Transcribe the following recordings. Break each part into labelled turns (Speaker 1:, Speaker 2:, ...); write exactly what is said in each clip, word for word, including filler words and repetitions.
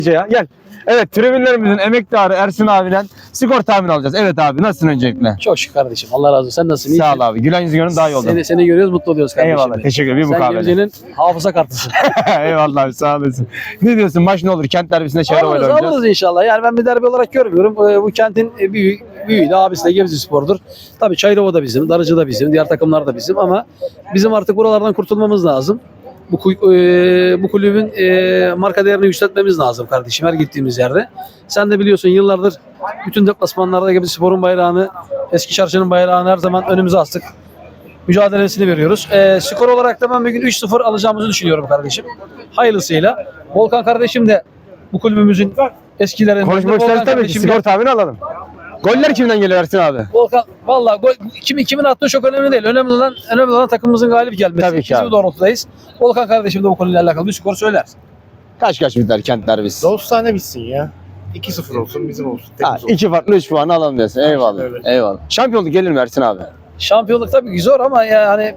Speaker 1: Ya, gel. Evet, tribünlerimizin emektarı Ersin abiden skor tahmini alacağız. Evet abi, nasılsın öncelikle?
Speaker 2: Çok şükür kardeşim. Allah razı olsun. Sen nasılsın?
Speaker 1: Sağ ol abi. Gülen yüzü görün daha iyi oldu.
Speaker 2: Seni, seni görüyoruz, mutlu oluyoruz kardeşim.
Speaker 1: Eyvallah. Teşekkür ederim. Bir
Speaker 2: Sen
Speaker 1: mukabele.
Speaker 2: Gebze'nin hafıza kartısın.
Speaker 1: Eyvallah abi, sağ olasın. Ne diyorsun? Maç ne olur? Kent derbisinde Çayrova'yla
Speaker 2: Alırız,
Speaker 1: oynayacağız.
Speaker 2: alırız inşallah. Yani ben bir derbi olarak görmüyorum. Ee, bu kentin e, büyüğü, büyüğü de abisi de Gebze Spor'dur. Tabii Çayrova da bizim, Darıcı da bizim, diğer takımlar da bizim ama bizim artık buralardan kurtulmamız lazım. Bu, ku- e, bu kulübün e, marka değerini yükseltmemiz lazım kardeşim her gittiğimiz yerde. Sen de biliyorsun yıllardır bütün deplasmanlarda Gebze Spor'un bayrağını, eski çarşının bayrağını her zaman önümüze astık. Mücadelesini veriyoruz. E, skor olarak da ben bugün üç sıfır alacağımızı düşünüyorum kardeşim. Hayırlısıyla. Volkan kardeşim de bu kulübümüzün eskilerinden.
Speaker 1: Konuşmak
Speaker 2: Volkan
Speaker 1: isteriz tabii ki.
Speaker 2: kardeşim de-
Speaker 1: Skor tahmini alalım. Goller kimden geliyor Ersin abi?
Speaker 2: Volkan valla gol kimin kimin attığı çok önemli değil. Önemli olan önemli olan takımımızın galip gelmesi.
Speaker 1: Tabii ki
Speaker 2: Biz
Speaker 1: abi.
Speaker 2: bu doğrultudayız. Volkan kardeşim de bu konuyla alakalı bir skor söyler.
Speaker 1: Kaç kaç biter Kent derbisi?
Speaker 3: Dostane bitsin ya. iki sıfır olsun, bizim olsun.
Speaker 1: Ha,
Speaker 3: Temiz olsun.
Speaker 1: iki farklı üç puanı alalım diyorsun. Eyvallah.
Speaker 3: öyle.
Speaker 1: Eyvallah. Şampiyonluk gelir mi Ersin abi?
Speaker 2: Şampiyonluk tabii ki zor ama yani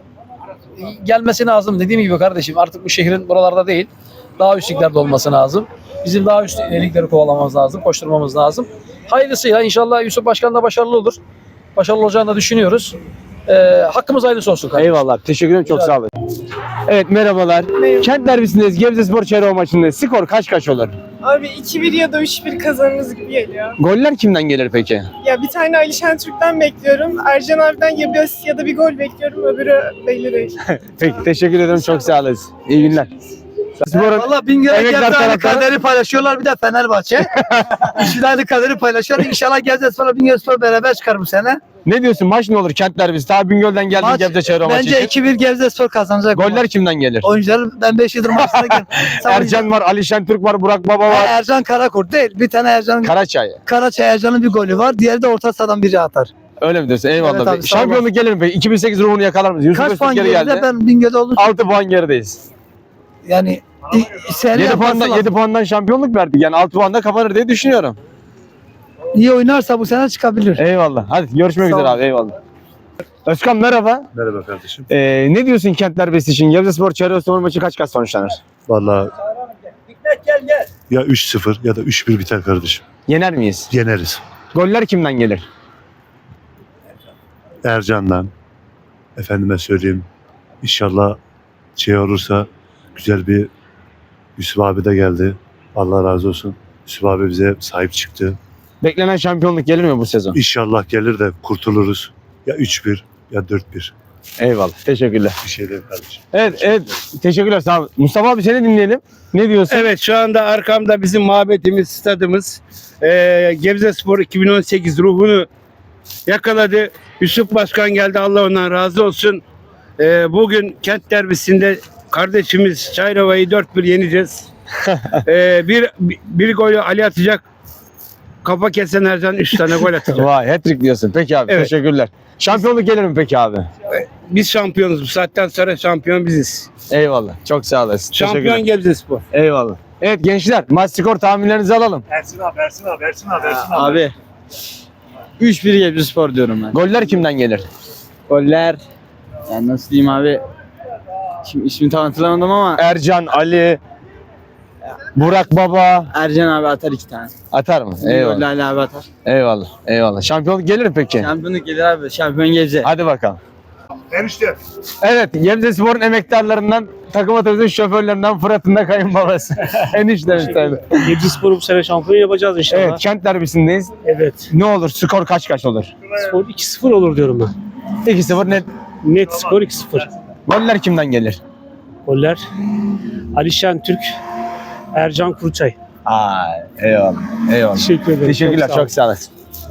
Speaker 2: gelmesi lazım dediğim gibi kardeşim. Artık bu şehrin buralarda değil. Daha üst liglerde olması lazım. Bizim daha üst ligleri kovalamamız lazım, koşturmamız lazım. Hayırlısıyla inşallah Yusuf Başkan da başarılı olur. Başarılı olacağını da düşünüyoruz. Ee, hakkımız hayırlısı olsun kardeşim.
Speaker 1: Eyvallah. Teşekkür ederim. Çok sağ olun. Evet, merhabalar. Kent derbisindeyiz. Gebze Spor Çayrova maçında skor kaç kaç olur?
Speaker 4: Abi iki bir ya da üç bir kazanırız gibi geliyor.
Speaker 1: Goller kimden gelir peki?
Speaker 4: Ya bir tane Ali Şentürk'ten bekliyorum. Ercan abiden ya bir asist ya da bir gol bekliyorum. Öbürü belli değil.
Speaker 1: Peki, teşekkür ederim. Çok sağ olasın. İyi günler. Spor'un
Speaker 5: Valla Bingöl'e
Speaker 1: emektar
Speaker 5: Gebze aynı
Speaker 1: taraftarı-
Speaker 5: kaderi paylaşıyorlar bir de Fenerbahçe. İkisi de aynı kaderi paylaşıyor. İnşallah Gebze Spor'la Bingöl Spor beraber çıkar bu sene.
Speaker 1: ne diyorsun? Maç ne olur Kent derbisi? Ta Bingöl'den geldik
Speaker 5: Maç,
Speaker 1: Gebze Çayrova maçı
Speaker 5: Bence
Speaker 1: için.
Speaker 5: iki bir Gebze Spor kazanacak.
Speaker 1: Goller kimden gelir?
Speaker 5: Oyuncular ben beş yıldır maçına gel.
Speaker 1: Ercan var, Ali Şentürk var, Burak Baba var.
Speaker 5: Ercan Karakurt değil. Bir tane Ercan
Speaker 1: Karaçay.
Speaker 5: Karaçay Ercan'ın bir golü var. Diğeri de orta sahadan biri atar.
Speaker 1: Öyle mi diyorsun? Eyvallah.
Speaker 5: Evet abi, sağ
Speaker 1: Şampiyonluk gelir mi peki? iki bin sekiz ruhunu yakalar mıyız? Yusuf
Speaker 5: Kaç
Speaker 1: Öztürk
Speaker 5: puan
Speaker 1: geri
Speaker 5: geride
Speaker 1: geldi.
Speaker 5: ben Bingöl'de olduğum
Speaker 1: altı puan gerideyiz.
Speaker 5: yani seri
Speaker 1: yedi puandan, yedi puandan şampiyonluk verdik. Yani altı puanda kapanır diye düşünüyorum.
Speaker 5: iyi oynarsa bu sene çıkabilir.
Speaker 1: Eyvallah. Hadi görüşmek
Speaker 5: Sağ
Speaker 1: üzere
Speaker 5: ol.
Speaker 1: abi. Eyvallah. Özkan merhaba.
Speaker 3: Merhaba kardeşim.
Speaker 1: Ee, ne diyorsun Kent derbisi için? Gebze Spor Çayrova Spor maçı kaç kaç sonuçlanır?
Speaker 3: Vallahi ya üç sıfır ya da üç bir biter kardeşim.
Speaker 1: Yener miyiz?
Speaker 3: Yeneriz.
Speaker 1: Goller kimden gelir?
Speaker 3: Ercan'dan. Efendime söyleyeyim. İnşallah şey olursa güzel bir Yusuf abi de geldi. Allah razı olsun. Yusuf abi bize sahip çıktı.
Speaker 1: Beklenen şampiyonluk gelir mi bu sezon?
Speaker 3: İnşallah gelir de kurtuluruz. Ya üç bir ya dört bir.
Speaker 1: Eyvallah. Teşekkürler.
Speaker 3: Bir şey değil kardeşim.
Speaker 1: Evet, evet. Teşekkürler. Sağ ol. Mustafa abi seni dinleyelim. Ne diyorsun?
Speaker 6: Evet, şu anda arkamda bizim mabetimiz, stadımız. Ee, Gebze Spor iki bin on sekiz ruhunu yakaladı. Yusuf Başkan geldi, Allah ondan razı olsun. Ee, bugün Kent derbisinde kardeşimiz Çayrova'yı dört bir yeneceğiz. ee, bir, bir golü Ali atacak. Kafa kesen Ercan üç tane gol atacak.
Speaker 1: Vay, hat-trick diyorsun. Peki abi,
Speaker 6: Evet.
Speaker 1: teşekkürler. Şampiyonluk gelir mi peki abi?
Speaker 6: Biz şampiyonuz. Bu saatten sonra şampiyon biziz.
Speaker 1: Eyvallah. Çok sağ olasın.
Speaker 6: Şampiyon
Speaker 1: Teşekkürler.
Speaker 6: Gebze Spor.
Speaker 1: Eyvallah. Evet gençler, maç skor tahminlerinizi alalım.
Speaker 3: Ersin abi, Ersin abi, Ersin abi, Ersin
Speaker 7: Abi üç bir Gebze Spor diyorum ben.
Speaker 1: Goller kimden gelir?
Speaker 7: Goller yani nasıl diyeyim abi? Şimdi ismini tam hatırlamadım ama
Speaker 1: Ercan, Ali, Burak Baba
Speaker 7: Ercan abi atar iki tane.
Speaker 1: atar mı?
Speaker 7: Goller
Speaker 1: Eyvallah.
Speaker 7: Ali abi atar.
Speaker 1: Eyvallah. Eyvallah. Şampiyonluk gelir mi peki?
Speaker 7: Şampiyonluk gelir abi. Şampiyon Gebze.
Speaker 1: Hadi bakalım.
Speaker 3: Enişte.
Speaker 1: Evet, Gebze Spor'un emektarlarından, takım otobüsün şoförlerinden Fırat'ın da kayınbabası. Eniştemiz tabii.
Speaker 8: Gebze Spor'u bu sene şampiyon yapacağız inşallah.
Speaker 1: Evet, Kent derbisindeyiz.
Speaker 8: Evet.
Speaker 1: Ne olur, skor kaç kaç olur?
Speaker 8: Skor iki sıfır olur diyorum ben.
Speaker 1: iki sıfır net.
Speaker 8: Net skor iki sıfır.
Speaker 1: Goller kimden gelir?
Speaker 8: Goller Ali Şentürk, Ercan Kuruçay.
Speaker 1: Ay, eyvallah. Eyvallah.
Speaker 8: Teşekkür ederim.
Speaker 1: Teşekkürler,
Speaker 8: Çok sağ ol.
Speaker 1: çok sağ olasın.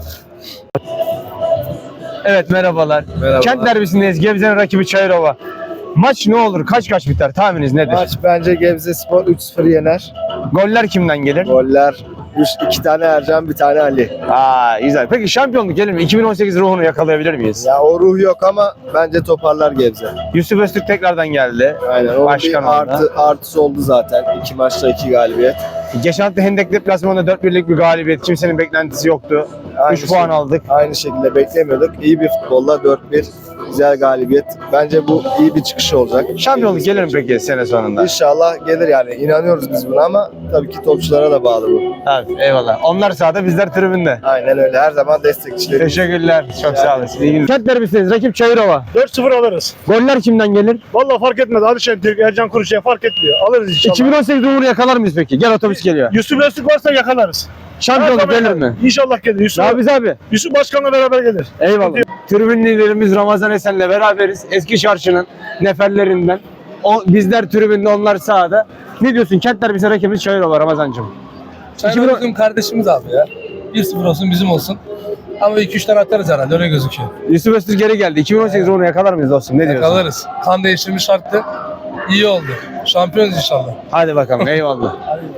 Speaker 1: Evet, merhabalar. Kent derbisindeyiz. Gebze'nin rakibi Çayrova. Maç ne olur? Kaç kaç biter? Tahmininiz nedir?
Speaker 9: Maç bence Gebze Spor üç sıfır yener.
Speaker 1: Goller kimden gelir?
Speaker 9: Goller iki tane Ercan, bir tane Ali.
Speaker 1: Aa, güzel. Peki şampiyonluk gelir mi? iki bin on sekiz ruhunu yakalayabilir miyiz?
Speaker 9: Ya o ruh yok ama bence toparlar Gebze.
Speaker 1: Yusuf Öztürk tekrardan geldi.
Speaker 9: Aynen. O
Speaker 1: Başkan
Speaker 9: bir
Speaker 1: oldu.
Speaker 9: artı, artısı oldu zaten. İki maçta iki galibiyet.
Speaker 1: Geçen hafta Hendek deplasmanında dört birlik bir galibiyet. Kimsenin beklentisi yoktu.
Speaker 9: Aynı
Speaker 1: üç puan
Speaker 9: şey-
Speaker 1: aldık.
Speaker 9: Aynı şekilde beklemiyorduk. İyi bir futbolla dört bir Güzel galibiyet. Bence bu iyi bir çıkış olacak.
Speaker 1: Şampiyonluk gelir mi peki sene sonunda?
Speaker 9: İnşallah gelir yani. İnanıyoruz biz buna ama tabii ki topçulara da bağlı bu.
Speaker 1: Evet, eyvallah. Onlar sahada, bizler tribünde.
Speaker 9: Aynen öyle. Her zaman destekçileri.
Speaker 1: Teşekkürler. Çok sağ olun. İyi günler. Kent derbisiniz. Rakip Çayırova.
Speaker 8: dört sıfır alırız.
Speaker 1: Goller kimden gelir?
Speaker 8: Vallahi fark etmez. Alişan Türk, Ercan Kuruşay fark etmiyor. Alırız inşallah.
Speaker 1: iki bin on sekiz Uğur'u yakalar mıyız peki? Gel otobüs geliyor.
Speaker 8: Yusuf Öztürk varsa yakalarız.
Speaker 1: Şampiyonluk gelir mi?
Speaker 8: İnşallah gelir. Yusuf,
Speaker 1: Rabiz abi.
Speaker 8: Yusuf Başkan'la beraber gelir.
Speaker 1: Eyvallah. Tribün liderimiz Ramazan Esen'le beraberiz. Eski Çarşı'nın neferlerinden. O, bizler tribünde, onlar sahada. Ne diyorsun? Kent derbisi rakibimiz Çayırova Ramazancığım.
Speaker 10: Çayırova bizim kardeşimiz abi ya. bir sıfır olsun bizim olsun. Ama iki üç tane atarız herhalde öyle gözüküyor.
Speaker 1: Yusuf Öztürk geri geldi. iki bin on sekiz Uğur'u yakalar mıyız dostum? Ne diyorsun?
Speaker 10: Yakalarız. Kan değiştirme şarttı. İyi oldu. Şampiyonuz inşallah.
Speaker 1: Hadi bakalım. Eyvallah.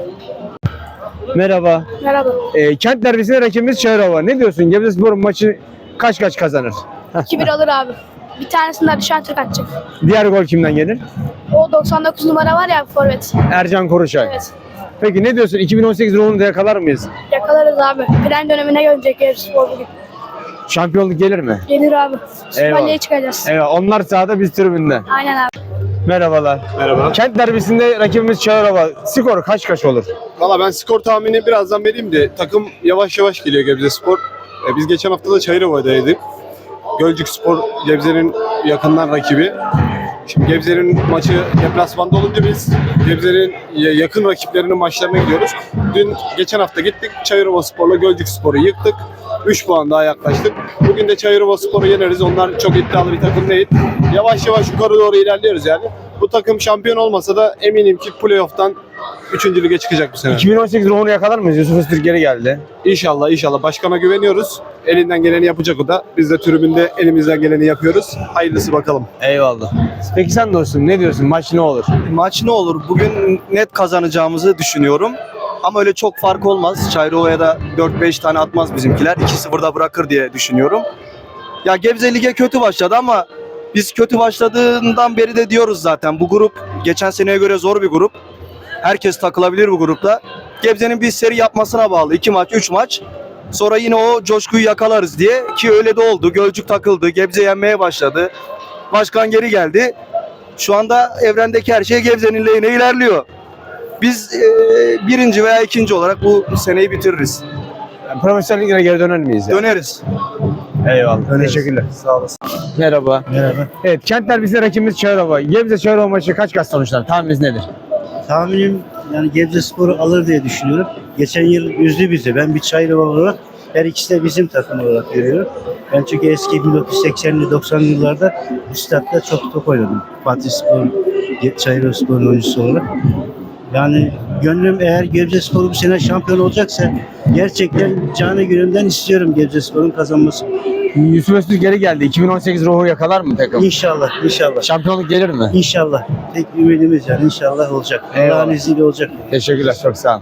Speaker 1: Merhaba.
Speaker 4: Merhaba.
Speaker 1: Ee, Kent derbisinde rakibimiz Çayırova. Ne diyorsun? Gebzespor'un maçı kaç kaç kazanır?
Speaker 11: iki bir alır abi. Bir tanesini Alişan Türk atacak.
Speaker 1: Diğer gol kimden gelir?
Speaker 11: O doksan dokuz numara var ya forvet.
Speaker 1: Ercan Koruşay.
Speaker 11: Evet.
Speaker 1: Peki ne diyorsun? iki bin on sekiz Uğur'unu da yakalar mıyız?
Speaker 11: Yakalarız abi. Plan dönemine gelecek Gebzespor bugün.
Speaker 1: Şampiyonluk gelir mi?
Speaker 11: Gelir abi. Süper
Speaker 1: Eyvallah.
Speaker 11: Lig'e çıkacağız.
Speaker 1: Evet, onlar sahada, biz tribünde.
Speaker 11: Aynen abi.
Speaker 1: Merhabalar.
Speaker 12: Merhaba.
Speaker 1: Kent derbisinde rakibimiz Çayırova. Skor kaç kaç olur?
Speaker 12: Valla ben skor tahmini birazdan vereyim de takım yavaş yavaş geliyor Gebzespor. E, biz geçen hafta da Çayırova'daydık. Gölcükspor Gebze'nin yakından rakibi. Şimdi Gebze'nin maçı deplasmanda olunca biz Gebze'nin yakın rakiplerinin maçlarına gidiyoruz. Dün geçen hafta gittik Çayırovaspor'la Gölcükspor'u yıktık. üç puan daha yaklaştık. Bugün de Çayırovaspor'u yeneriz. Onlar çok iddialı bir takım değil. Yavaş yavaş yukarı doğru ilerliyoruz yani. Bu takım şampiyon olmasa da eminim ki playoff'tan üçüncü lige çıkacak bu sene.
Speaker 1: iki bin on sekiz Uğur'unu yakalar mıyız? Yusuf Öztürk geri geldi.
Speaker 12: İnşallah inşallah. Başkana güveniyoruz. Elinden geleni yapacak o da. Biz de tribünde elimizden geleni yapıyoruz. Hayırlısı bakalım.
Speaker 1: Eyvallah. Peki sen dostum ne diyorsun? Maç ne olur?
Speaker 13: Maç ne olur? Bugün net kazanacağımızı düşünüyorum. Ama öyle çok fark olmaz. Çayırova'ya da dört beş tane atmaz bizimkiler. iki sıfırda bırakır diye düşünüyorum. Ya Gebze Lig'e kötü başladı ama biz kötü başladığından beri de diyoruz zaten. Bu grup geçen seneye göre zor bir grup. Herkes takılabilir bu grupta. Gebze'nin bir seri yapmasına bağlı. iki maç, üç maç. Sonra yine o coşkuyu yakalarız diye. Ki öyle de oldu. Gölcük takıldı. Gebze yenmeye başladı. Başkan geri geldi. Şu anda evrendeki her şey Gebze'nin lehine ilerliyor. Biz e, birinci veya ikinci olarak bu seneyi bitiririz.
Speaker 1: Yani profesyonel ligine geri döner miyiz? Yani?
Speaker 13: Döneriz.
Speaker 1: Eyvallah. Teşekkürler.
Speaker 13: Sağ olasın.
Speaker 1: Merhaba.
Speaker 5: Merhaba.
Speaker 1: Evet, Kent derbisinde rakibimiz Çayırova. Gebze Çayırova maçı kaç kaç sonuçlar? Tahmininiz nedir?
Speaker 5: Tahminim yani Gebzespor'u alır diye düşünüyorum. Geçen yıl üzdü bizi. Ben bir Çayırova olarak her ikisi de bizim takım olarak görüyorum. Ben çünkü eski bin dokuz yüz seksenli doksanlı yıllarda bu statta çok top oynadım. Fatih Spor, Çayırovaspor'un oyuncusu olarak. Yani gönlüm eğer Gebzespor bu sene şampiyon olacaksa gerçekten canı gönülden istiyorum Gebzespor'un kazanması.
Speaker 1: Yusuf Öztürk geri geldi. iki bin on sekiz ruhu yakalar mı takım?
Speaker 5: İnşallah, inşallah.
Speaker 1: Şampiyonluk gelir mi?
Speaker 5: İnşallah. Tek ümidimiz yani inşallah olacak.
Speaker 1: Eyvallah.
Speaker 5: Allah'ın izniyle olacak.
Speaker 1: Teşekkürler. Çok sağ olun.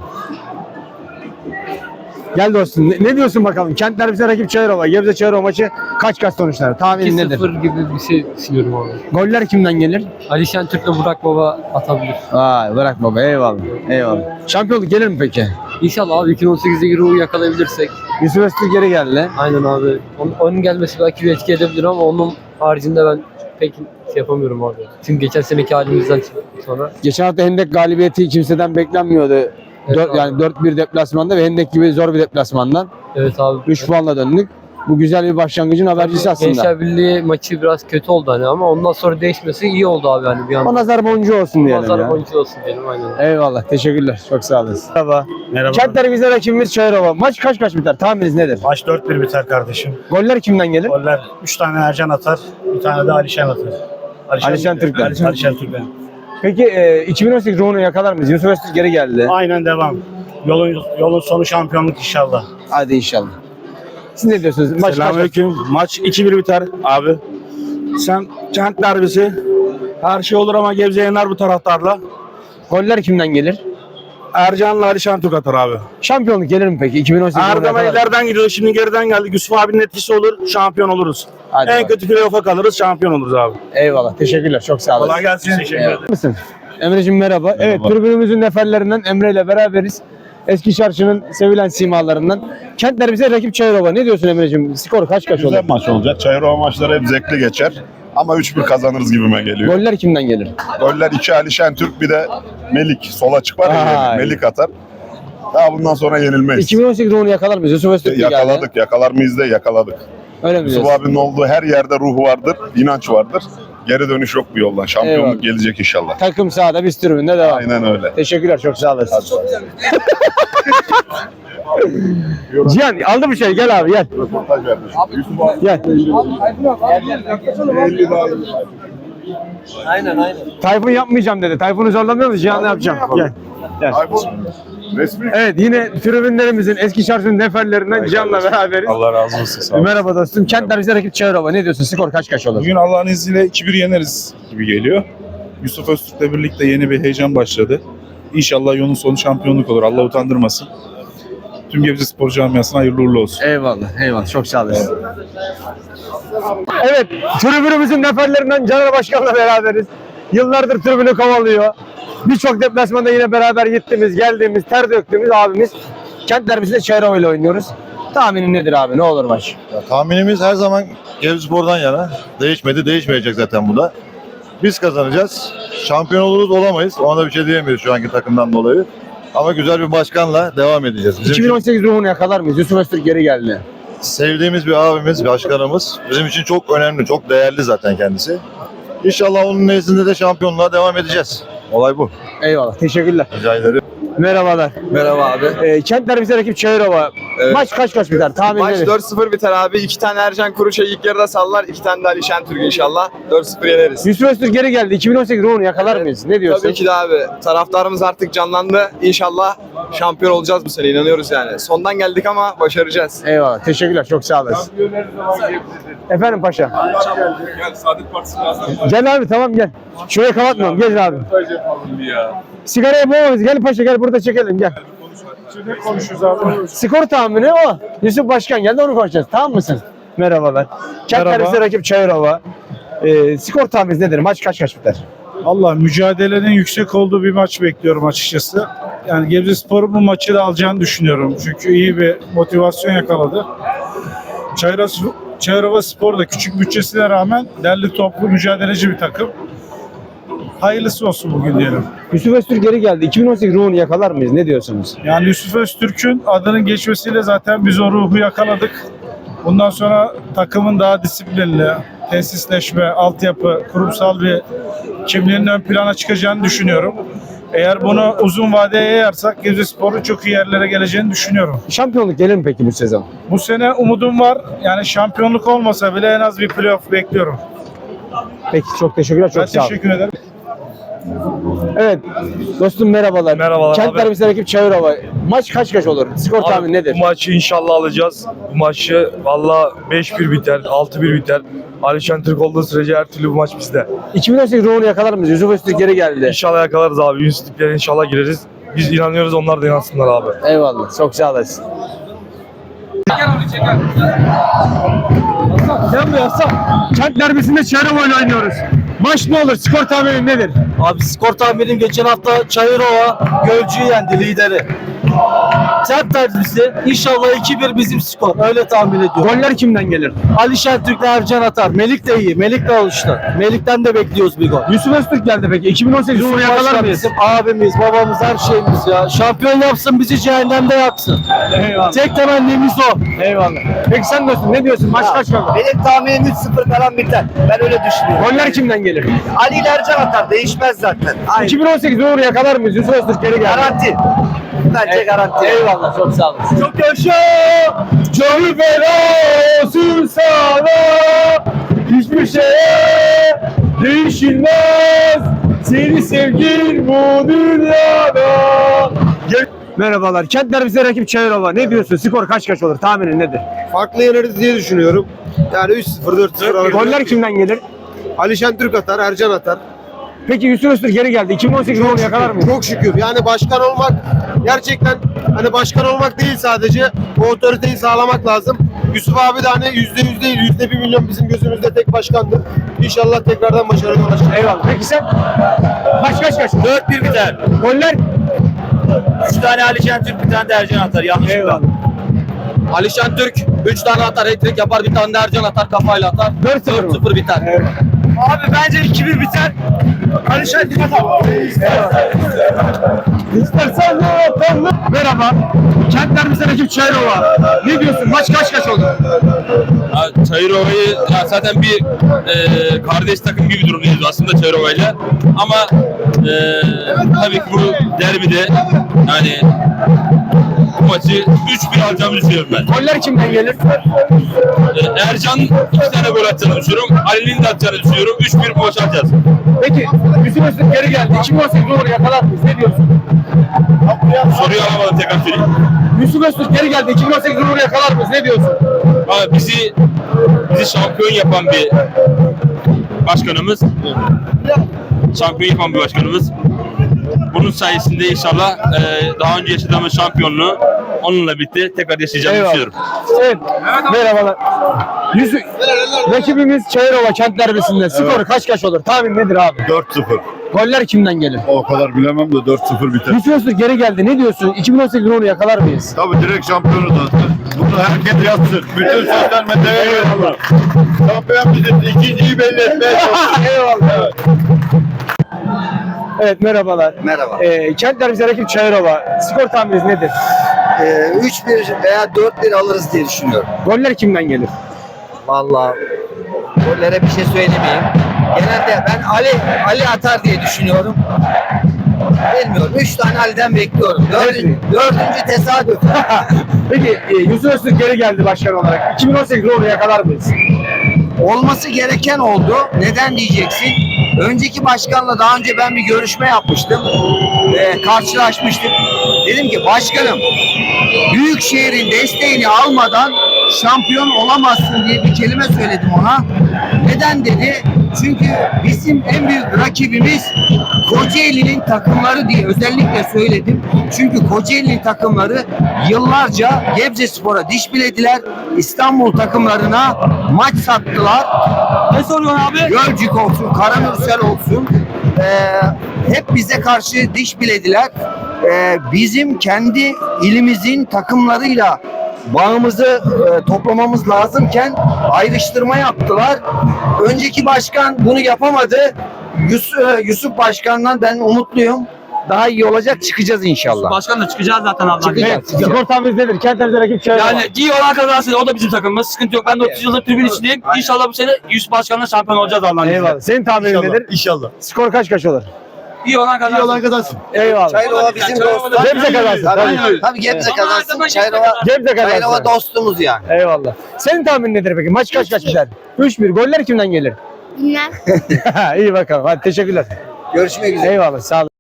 Speaker 1: Gel dostum. Ne, ne diyorsun bakalım? Kent derbisinde rakip Çayırova. Gebze Çayırova maçı kaç kaç sonuçlar? Tahmin nedir?
Speaker 10: iki sıfır gibi bir şey düşünüyorum abi.
Speaker 1: Goller kimden gelir?
Speaker 10: Alişan Türk'le Burak Baba atabilir.
Speaker 1: Vay bırak baba. Eyvallah. Eyvallah. Şampiyonluk gelir mi peki?
Speaker 10: İnşallah abi iki bin on sekizde ruhu yakalayabilirsek.
Speaker 1: Yusuf Öztürk geri geldi.
Speaker 10: Aynen abi. Onun, onun gelmesi belki bir etki edebilir ama onun haricinde ben pek şey yapamıyorum abi. Çünkü geçen seneki halimizden sonra.
Speaker 1: Geçen hafta Hendek galibiyeti kimseden beklenmiyordu.
Speaker 10: Evet
Speaker 1: Dört,
Speaker 10: abi.
Speaker 1: yani dört bir deplasmanda ve Hendek gibi zor bir deplasmandan
Speaker 10: Evet abi.
Speaker 1: üç puanla döndük. Bu güzel bir başlangıcın habercisi aslında.
Speaker 10: Gençler Birliği maçı biraz kötü oldu hani ama ondan sonra değişmesi iyi oldu abi yani bir anda.
Speaker 1: O nazar boncuğu olsun diyelim
Speaker 10: Nazar
Speaker 1: ya.
Speaker 10: boncuğu olsun diyelim aynen.
Speaker 1: Eyvallah. Teşekkürler. Çok sağ olasın. Merhaba.
Speaker 5: Merhaba.
Speaker 1: Kent derbisinde rakibimiz Çayırova. Maç kaç kaç biter? Tahmininiz nedir?
Speaker 5: Maç dört bir biter kardeşim.
Speaker 1: Goller kimden gelir?
Speaker 5: Goller üç tane Ercan atar, bir tane de Alişan atar.
Speaker 1: Alişan Türk'ten.
Speaker 5: Alişan, Alişan Türk'ten.
Speaker 1: Peki e, iki bin on sekiz ruhunu yakalar mıyız? Yusuf Öztürk geri geldi.
Speaker 5: Aynen devam. Yolun yolun sonu şampiyonluk inşallah.
Speaker 1: Hadi inşallah. Siz ne diyorsunuz? Maç kaç kaç?
Speaker 6: Selamünaleyküm. Maç iki bir biter abi. Sen Kent derbisi. Her şey olur ama Gebze yener bu taraftarla.
Speaker 1: Goller kimden gelir?
Speaker 6: Ercan'la Alişan Türk atar abi.
Speaker 1: Şampiyonluk gelir mi peki? iki bin on sekiz ruhunu
Speaker 6: Erdem
Speaker 1: yakalar mıyız?
Speaker 6: ileriden gidiyor. Şimdi geriden geldik. Yusuf abinin etkisi olur. Şampiyon oluruz.
Speaker 1: Hadi
Speaker 6: en
Speaker 1: bak.
Speaker 6: kötü playoff'a kalırız. Şampiyon oluruz abi.
Speaker 1: Eyvallah. Teşekkürler. Çok sağ olasın.
Speaker 6: Kolay gelsin. Teşekkür ederim.
Speaker 1: Mısın? Emre'cim merhaba. Evet, tribünümüzün neferlerinden Emre ile beraberiz. Eski Çarşı'nın sevilen simalarından. Kent derbisinde rakip Çayırova. Ne diyorsun Emre'cim? Skor kaç kaç olur?
Speaker 14: Güzel maç olacak. Çayırova maçları hep zevkli geçer. Ama üç bir kazanırız gibime geliyor.
Speaker 1: Goller kimden gelir?
Speaker 14: Goller iki Ali Şentürk, bir de Melik. Sol açık var ya,
Speaker 1: Ay.
Speaker 14: Melik atar. Daha bundan sonra yenilmeyiz.
Speaker 1: iki bin on sekiz ruhunu yakalar mıyız? Yusuf Öztürk geldi.
Speaker 14: Yakaladık. Yakalar mıyız da yakaladık.
Speaker 1: Öyle mi
Speaker 14: Yusuf
Speaker 1: diyorsun?
Speaker 14: abinin olduğu her yerde ruh vardır, inanç vardır. Geri dönüş yok bu yoldan. Şampiyonluk
Speaker 1: Eyvallah.
Speaker 14: gelecek inşallah.
Speaker 1: Takım sahada, biz tribünde devam.
Speaker 14: Aynen öyle.
Speaker 1: Teşekkürler, çok sağ olasın. Cihan aldı bir şey, gel abi gel.
Speaker 14: Röportaj vermiş. Yusuf abi.
Speaker 1: Gel.
Speaker 10: Aynen aynen.
Speaker 1: Tayfun yapmayacağım dedi. Tayfun'u zorlamıyor musun? Cihan ne yapacağım? Gel. Gel.
Speaker 14: Resmi.
Speaker 1: Evet, yine tribünlerimizin eski şarjının neferlerinden Cihan'la beraberiz.
Speaker 8: Allah razı olsun. Sağ olun.
Speaker 1: Merhaba dostum. Kent derbisi rakip Çayırova. Ne diyorsun? Skor kaç kaç olur?
Speaker 8: Bugün Allah'ın izniyle iki bir yeneriz gibi geliyor. Yusuf Öztürk'le birlikte yeni bir heyecan başladı. İnşallah yolun sonu şampiyonluk olur. Allah utandırmasın. Tüm Gebze Spor camiasına hayırlı uğurlu olsun.
Speaker 1: Eyvallah, eyvallah. Çok sağ olasın. Evet, tribünümüzün neferlerinden Caner Başkan'la beraberiz. Yıllardır tribünü kovalıyor. Birçok deplasmanda yine beraber gittiğimiz, geldiğimiz, ter döktüğümüz abimiz. Kent derbisinde Çayırova ile oynuyoruz. Tahminin nedir abi? Ne olur maç?
Speaker 15: Ya, tahminimiz her zaman Gebzespor'dan yana. Değişmedi, değişmeyecek zaten bu da. Biz kazanacağız. Şampiyon oluruz, olamayız. Ona da bir şey diyemeyiz şu anki takımdan dolayı. Ama güzel bir başkanla devam edeceğiz. Bizim
Speaker 1: iki bin on sekiz ruhunu yakalar mıyız? Yusuf Öztürk geri geldi.
Speaker 15: sevdiğimiz bir abimiz, başkanımız. Bizim için çok önemli, çok değerli zaten kendisi. İnşallah onun nezdinde de şampiyonluğa devam edeceğiz. Olay bu.
Speaker 1: Eyvallah, teşekkürler.
Speaker 15: Rica ederim.
Speaker 1: Merhabalar.
Speaker 7: Merhaba abi.
Speaker 1: Ee, Kent derbisi rakip Çayırova.
Speaker 7: Evet.
Speaker 1: Maç kaç kaç biter? Tahmin
Speaker 7: Maç
Speaker 1: nedir?
Speaker 7: dört sıfır biter abi. İki tane Ercan Kuruş'a ilk yarıda sallar. iki tane de Ali Şentürk inşallah. dört sıfır yeneriz.
Speaker 1: Yusuf Öztürk geri geldi. iki bin on sekiz ruhunu yakalar mıyız? Ne diyorsun?
Speaker 7: Tabii ki de abi. Taraftarımız artık canlandı. İnşallah şampiyon olacağız bu sene. İnanıyoruz yani. Sondan geldik ama başaracağız.
Speaker 1: Eyvallah. Teşekkürler. Çok sağ olasın. Efendim paşa.
Speaker 8: Gel Saadet Partisi lazım.
Speaker 1: Gel abi tamam gel. Şurayı kapatmayalım. Gel abi. Sigarayı boğmamız. Gel paşa gel burada çekelim gel.
Speaker 8: Ne konuşuyoruz abi?
Speaker 1: Skor tahmini o. Yusuf Başkan geldi onu konuşacağız. Tamam mısın? Merhabalar. Kent
Speaker 8: Merhaba.
Speaker 1: derbisi rakip Çayırova. Ee, skor tahmini nedir? Maç kaç kaç biter?
Speaker 8: Allah mücadelenin yüksek olduğu bir maç bekliyorum açıkçası. Yani Gebzespor'un bu maçı da alacağını düşünüyorum. Çünkü iyi bir motivasyon yakaladı. Çayırova, Çayırova Spor da küçük bütçesine rağmen derli toplu mücadeleci bir takım. Hayırlısı olsun bugün diyelim.
Speaker 1: Yusuf Öztürk geri geldi. iki bin on sekiz ruhunu yakalar mıyız? Ne diyorsunuz?
Speaker 8: Yani Yusuf Öztürk'ün adının geçmesiyle zaten biz o ruhu yakaladık. Bundan sonra takımın daha disiplinli, tesisleşme, altyapı, kurumsal bir kimliğinin ön plana çıkacağını düşünüyorum. Eğer bunu uzun vadeye yayarsak Gebzespor'un çok iyi yerlere geleceğini düşünüyorum.
Speaker 1: Şampiyonluk gelir mi peki bu sezon?
Speaker 8: Bu sene umudum var. Yani şampiyonluk olmasa bile en az bir playoff bekliyorum.
Speaker 1: Peki çok teşekkürler. Çok
Speaker 8: Ben
Speaker 1: sağ olun.
Speaker 8: teşekkür ederim.
Speaker 1: Evet. Dostum merhabalar.
Speaker 16: Merhabalar
Speaker 1: Kent
Speaker 16: abi.
Speaker 1: derbisi rakip Çayırova. Maç kaç kaç olur? Skor
Speaker 16: Abi,
Speaker 1: tahmini nedir?
Speaker 16: Bu maçı inşallah alacağız. Bu maçı valla beş bir biter, altı bir biter. Alişan Türk olduğu sürece her türlü bu maç bizde.
Speaker 1: iki bin on sekiz ruhunu yakalar mıyız? Yusuf Öztürk geri geldi.
Speaker 16: İnşallah yakalarız abi. Yüzlüklere inşallah gireriz. Biz inanıyoruz, onlar da inansınlar abi.
Speaker 1: Eyvallah. Çok sağ olasın. Sen mi yapsan? Kent derbisinde Çayırova ile oynuyoruz. Maç ne olur? Skor tahmini nedir?
Speaker 17: Abi skor tahminim geçen hafta Çayırova Gölcü'yü yendi, lideri. Kent derbisi inşallah iki bir bizim skor. Öyle tahmin ediyorum.
Speaker 1: Goller kimden gelir?
Speaker 17: Ali Şentürk'le Ercan atar. Melik de iyi. Melik de alıştı. Melik'ten de bekliyoruz bir gol.
Speaker 1: Yusuf Öztürk geldi peki. iki bin on sekiz ruhunu yakalar
Speaker 17: Başkan
Speaker 1: mıyız?
Speaker 17: bizim abimiz, babamız, her şeyimiz ya. Şampiyon yapsın, bizi cehennemde yaksın.
Speaker 1: Eyvallah.
Speaker 17: Tek temennimiz o.
Speaker 1: Eyvallah. Peki sen dostum ne diyorsun? Maç kaç kaldı?
Speaker 18: Benim tahminim üç sıfır falan biter. Ben öyle düşünüyorum.
Speaker 1: Goller kimden gelir?
Speaker 18: Ali ile Ercan atar. Değişmez zaten. Aynen.
Speaker 1: iki bin on sekiz ruhunu yakalar mıyız? Yusuf Öztürk geri geldi.
Speaker 18: Garanti. Bence garanti.
Speaker 1: Eyvallah. Çok sağ olasın.
Speaker 18: Çok yaşa.
Speaker 1: Canı feda olsun sana. Hiçbir şeye değişilmez. Seni sevgin bu dünyada. Gel- Merhabalar. Kent derbisi rakip Çayırova. Ne diyorsun? Skor kaç kaç olur? Tahminin nedir?
Speaker 12: Farklı yeneriz diye düşünüyorum. Yani üç sıfır dört sıfır alırız.
Speaker 1: Goller kimden gelir?
Speaker 12: Ali Şentürk atar, Ercan atar.
Speaker 1: Peki Yusuf Öztürk geri geldi. iki bin on sekiz ruhunu yakalar mıyız?
Speaker 12: Çok şükür. Yani başkan olmak gerçekten hani başkan olmak değil sadece bu otoriteyi sağlamak lazım. Yusuf abi de hani yüzde yüz değil, yüzde bir milyon bizim gözümüzde tek başkandır. İnşallah tekrardan başarılı olacak.
Speaker 1: Eyvallah. Peki sen? Maç kaç kaç?
Speaker 18: dört bir biter.
Speaker 1: Goller?
Speaker 18: üç tane Ali Şentürk, bir tane de Ercan atar. Yanlışlıkla.
Speaker 1: Eyvallah.
Speaker 17: Alişan Türk üç tane atar, hat-trick yapar, bir tane de Ercan atar, kafayla atar.
Speaker 1: dört sıfır
Speaker 17: sıfır biter.
Speaker 1: Evet.
Speaker 18: Abi bence iki bir biter. Alişan dikkat abi.
Speaker 1: İstersen de vatanlı. Merhaba. Kentlerimizden ekip Çayırova. Ne diyorsun? Maç kaç kaç oldu?
Speaker 19: Çayırova'yı ya zaten bir e, kardeş takım gibi durumdayız aslında Çayırova'yla. Ama e, tabii ki bu derbide yani bu maçı üç bir alacağımı düşünüyorum ben.
Speaker 1: Goller kimden gelir?
Speaker 19: E, Ercan iki tane gol atacağını düşünüyorum. Ali'nin de atacağını düşünüyorum. üç bir bu maçı alacağız.
Speaker 1: Peki bizim Öztürk geri geldi. iki bin on sekiz olur yakalar mıyız? Ne diyorsun?
Speaker 19: Soruyu alamadım tekrar söyleyeyim.
Speaker 1: Yusuf Öztürk geri geldi. iki bin on sekiz olur yakalar mıyız? Ne diyorsun?
Speaker 19: Abi bizi bizi şampiyon yapan bir başkanımız. Şampiyon yapan bir başkanımız. Bunun sayesinde inşallah e, daha önce yaşadığımız şampiyonluğu onunla birlikte tekrar yaşayacağımı
Speaker 1: Eyvallah.
Speaker 19: düşünüyorum.
Speaker 1: Evet. Merhabalar. Yusuf, rakibimiz Çayırova kent derbisinde. Skoru kaç kaç olur? Tahmin nedir abi?
Speaker 15: dört sıfır.
Speaker 1: Goller kimden gelir?
Speaker 15: O kadar bilemem de dört sıfır biter.
Speaker 1: Yusuf Öztürk geri geldi. Ne diyorsun? iki bin on sekiz onu yakalar mıyız?
Speaker 15: Tabii direkt şampiyonuz zaten. Bunu herkes yazsın. Bütün sosyal medyaya yazsın. Şampiyon bizim ikinciyi belli etmeye çalışıyor.
Speaker 1: Eyvallah. Evet merhabalar.
Speaker 5: Merhaba.
Speaker 1: Ee, kent derbisi rakip Çayırova. Skor tahmininiz nedir?
Speaker 5: Ee, üç bir veya dört bir alırız diye düşünüyorum.
Speaker 1: Goller kimden gelir?
Speaker 5: Vallahi gollere bir şey söylemeyeyim. Genelde ben Ali Ali atar diye düşünüyorum. Bilmiyorum. Üç tane Ali'den bekliyorum. Dördüncü, dördüncü tesadüf.
Speaker 1: Peki e, Yusuf Öztürk geri geldi başkan olarak. iki bin on sekiz onu yakalar mıyız?
Speaker 5: Olması gereken oldu. Neden diyeceksin? Önceki başkanla daha önce ben bir görüşme yapmıştım. Ee, karşılaşmıştık. Dedim ki başkanım Büyükşehir'in desteğini almadan şampiyon olamazsın diye bir kelime söyledim ona. Neden dedi? Çünkü bizim en büyük rakibimiz Kocaeli'nin takımları diye özellikle söyledim. Çünkü Kocaeli'nin takımları yıllarca Gebzespor'a diş bilediler. İstanbul takımlarına maç sattılar.
Speaker 18: Ne soruyorsun abi?
Speaker 5: Gölcük olsun, Karamürsel olsun. Ee, hep bize karşı diş bilediler. Ee, bizim kendi ilimizin takımlarıyla bağımızı e, toplamamız lazımken ayrıştırma yaptılar. Önceki başkan bunu yapamadı. Yusuf, Yusuf Başkan'dan ben umutluyum. Daha iyi olacak, çıkacağız inşallah.
Speaker 18: Başkan da çıkacağız zaten Allah'ın
Speaker 5: Çıkacağız.
Speaker 18: izniyle.
Speaker 5: çıkacağız.
Speaker 1: Skor tahmininiz nedir? Kent derbisi rakip Çayırova.
Speaker 18: Yani iyi olan kazansın. O da bizim takımımız. Sıkıntı yok. Ben de otuz yıldır tribün içindeyim. İnşallah bu sene Yusuf Başkan'la şampiyon olacağız Allah'ın izniyle.
Speaker 1: Eyvallah. Senin tahminin nedir?
Speaker 15: İnşallah.
Speaker 1: Skor kaç kaç olur?
Speaker 18: İyi olan kazansın.
Speaker 15: İyi olan kazansın.
Speaker 1: Eyvallah.
Speaker 5: Çayırova bizim dostumuz.
Speaker 1: Gebze kazansın. Tabii.
Speaker 5: Tabii Gebze
Speaker 18: Ama
Speaker 5: kazansın.
Speaker 18: adama
Speaker 5: Çayırova,
Speaker 1: Gebze
Speaker 5: Çayırova
Speaker 1: kazansın.
Speaker 5: dostumuz yani.
Speaker 1: Eyvallah. Senin tahminin nedir peki? Maç kaç kaç biter? üç bir. Goller kimden gelir?
Speaker 11: Bilmem.
Speaker 1: İyi bakalım. Hadi teşekkürler.
Speaker 5: Görüşmek üzere.
Speaker 1: Eyvallah. Sağ olun.